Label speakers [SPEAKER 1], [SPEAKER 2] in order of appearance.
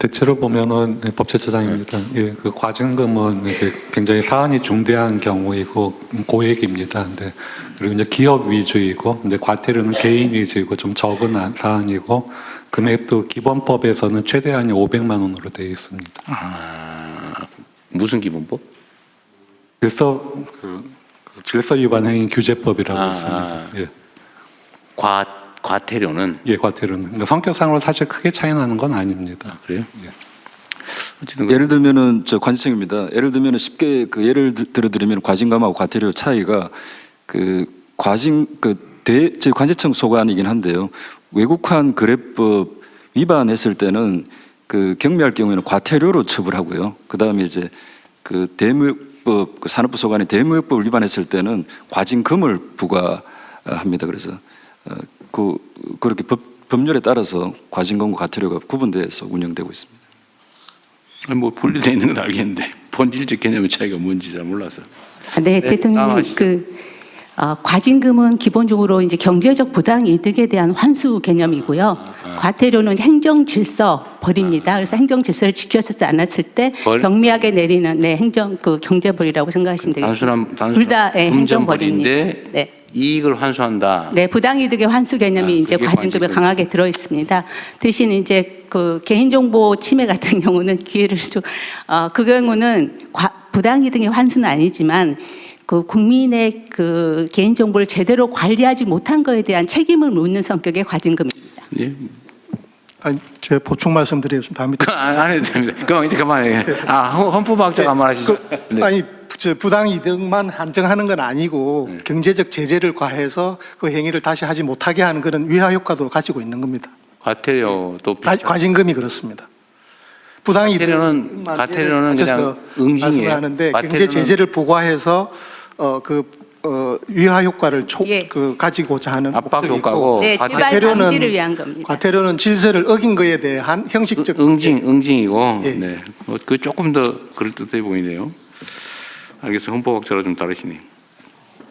[SPEAKER 1] 대체로 보면은 법제처장입니다. 예, 그 과징금은 이게 굉장히 사안이 중대한 경우이고 고액입니다. 근데 그리고 이제 기업 위주이고, 근데 과태료는 개인 위주이고 좀 적은 사안이고, 금액도 기본법에서는 최대한이 500만 원으로 되어 있습니다.
[SPEAKER 2] 무슨 기본법?
[SPEAKER 1] 질서 위반 행위 규제법이라고 있습니다. 예.
[SPEAKER 2] 과태료는?
[SPEAKER 1] 예, 과태료는. 그러니까 성격상으로 사실 크게 차이 나는 건 아닙니다.
[SPEAKER 2] 그래요?
[SPEAKER 1] 예.
[SPEAKER 2] 어쨌든
[SPEAKER 3] 예를 들면은 저 관세청입니다. 예를 들면은 쉽게 그 예를 들어드리면 과징금하고 과태료 차이가 그 제 관세청 소관이긴 한데요. 외국환 거래법 위반했을 때는 그 경미할 경우에는 과태료로 처벌하고요. 그 다음에 이제 그 대무역법 그 산업부 소관이 대무역법을 위반했을 때는 과징금을 부과합니다. 그래서 그렇게 법률에 따라서 과징금과 과태료가 구분돼서 운영되고 있습니다.
[SPEAKER 2] 뭐 분리되어 있는 건 알겠는데 본질적 개념의 차이가 뭔지 잘 몰라서.
[SPEAKER 4] 네, 대통령 과징금은 기본적으로 이제 경제적 부당 이득에 대한 환수 개념이고요. 과태료는 행정 질서 벌입니다. 그래서 행정 질서를 지켰지 않았을 때 경미하게 내리는 행정 경제벌이라고 생각하시면 되겠습니다. 둘 다 행정벌입니다. 네.
[SPEAKER 2] 이익을 환수한다.
[SPEAKER 4] 네, 부당이득의 환수 개념이 이제 과징금에 강하게 들어 있습니다. 대신 이제 그 개인정보 침해 같은 경우는 기회를 좀, 그 경우는 부당이득의 환수는 아니지만 그 국민의 그 개인정보를 제대로 관리하지 못한 것에 대한 책임을 묻는 성격의 과징금입니다.
[SPEAKER 2] 예.
[SPEAKER 5] 아니, 제가 보충 말씀드리겠습니다.
[SPEAKER 2] 안 해도 됩니다. 그럼 이제 그만해. 헌법학자가 말하시죠. 네.
[SPEAKER 5] 아니, 부당 이득만 한정하는 건 아니고 경제적 제재를 과해서 그 행위를 다시 하지 못하게 하는 그런 위화 효과도 가지고 있는 겁니다.
[SPEAKER 2] 과태료도
[SPEAKER 5] 과징금이 그렇습니다. 부당 이득만
[SPEAKER 2] 과태료는 그냥 응징이에요.
[SPEAKER 5] 말씀을 하는데 경제 제재를 부과해서 위화 효과를 가지고자 하는
[SPEAKER 2] 압박
[SPEAKER 5] 목적이고,
[SPEAKER 2] 효과고,
[SPEAKER 4] 네, 재발 방지를 위한 겁니다.
[SPEAKER 5] 과태료는 질서를 어긴 것에 대한 형식적
[SPEAKER 2] 응징이고,
[SPEAKER 5] 예.
[SPEAKER 2] 네, 그 조금 더 그럴듯해 보이네요. 알겠어요. 헌법학자로 좀 다르시네요.